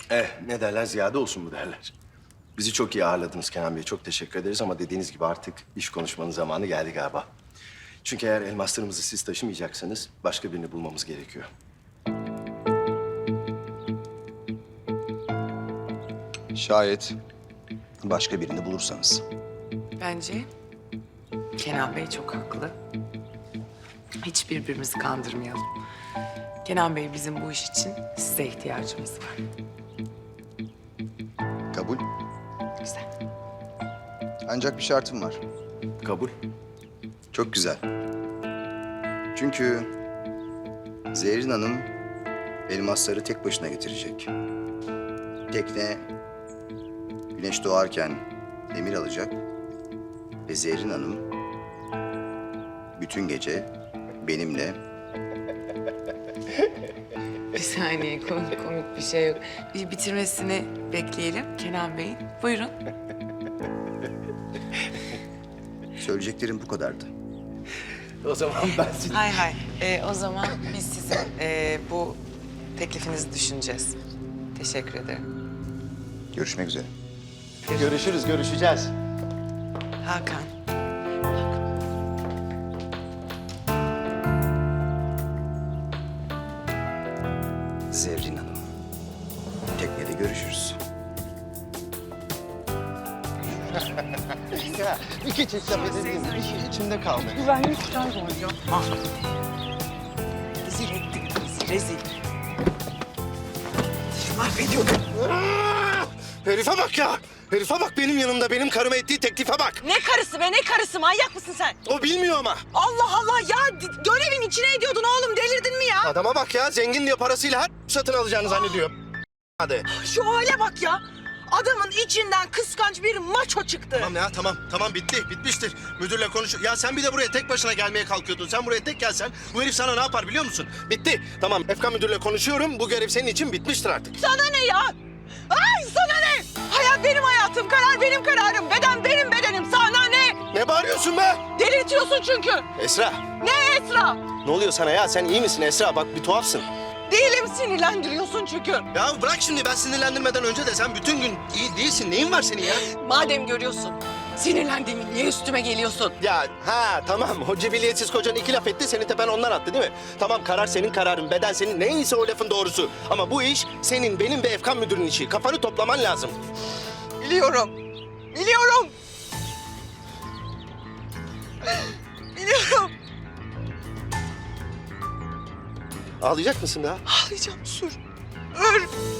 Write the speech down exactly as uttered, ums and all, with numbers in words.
Eh, ne derler, ziyade olsun mu derler. Bizi çok iyi ağırladınız Kenan Bey. Çok teşekkür ederiz ama dediğiniz gibi artık iş konuşmanın zamanı geldi galiba. Çünkü eğer elmaslarımızı siz taşımayacaksanız başka birini bulmamız gerekiyor. Şayet başka birini bulursanız. Bence Kenan Bey çok haklı. Hiç birbirimizi kandırmayalım. Kenan Bey, bizim bu iş için size ihtiyacımız var. Kabul. Güzel. Ancak bir şartım var. Kabul. Çok güzel. Çünkü Zerrin Hanım elmasları tek başına getirecek. Tekne güneş doğarken emir alacak ve Zerrin Hanım bütün gece benimle Bir saniye, komik, komik bir şey yok. Bir bitirmesini bekleyelim Kenan Bey'in. Buyurun. söyleyeceklerim bu kadardı. O zaman ben sizi... Hay hay. Ee, o zaman biz sizin ee, bu teklifinizi düşüneceğiz. Teşekkür ederim. Görüşmek üzere. Görüşürüz, görüşeceğiz. Hakan. Zerrin Hanım. Teknede görüşürüz. Ya, iki çift laf edeyim. İçimde kaldı. Güvenlik kayboldu. Yapma. Rezil ettik bizi, rezil. Mahvediyordum. Herife bak ya! Herife bak, benim yanımda, benim karıma ettiği teklife bak. Ne karısı be, ne karısı? Manyak mısın sen? O bilmiyor ama. Allah Allah ya, d- görevin içine ediyordun oğlum, delirdin mi ya? Adama bak ya, zengin diye parasıyla her satın alacağını zannediyor. Hadi. Şu hale bak ya. Adamın içinden kıskanç bir maço çıktı. Tamam ya, tamam. Tamam, bitti. Bitmiştir. Müdürle konuş. Ya sen bir de buraya tek başına gelmeye kalkıyordun. Sen buraya tek gelsen bu herif sana ne yapar biliyor musun? Bitti. Tamam, Efkan müdürle konuşuyorum. Bu görev senin için bitmiştir artık. Sana ne ya? Ay sana ne? Hayat benim hayatım, karar benim kararım, beden benim bedenim. Sana ne? Ne bağırıyorsun be? Delirtiyorsun çünkü. Esra, Ne Esra? ne oluyor sana ya? Sen iyi misin Esra? Bak bir tuhafsın. Değilim, sinirlendiriyorsun çünkü. Ya bırak şimdi, ben sinirlendirmeden önce de sen bütün gün iyi değilsin. Neyin var senin ya? Madem görüyorsun, sinirlendiğimi niye üstüme geliyorsun? Ya ha tamam, o cibiliyetsiz kocan iki laf etti, seni tepen ondan attı değil mi? Tamam, karar senin kararın, beden senin, neyse o lafın doğrusu. Ama bu iş senin, benim ve Efkan müdürün işi. Kafanı toplaman lazım. Biliyorum. Biliyorum. Biliyorum. Ağlayacak mısın daha? Ağlayacağım, sür. Öl.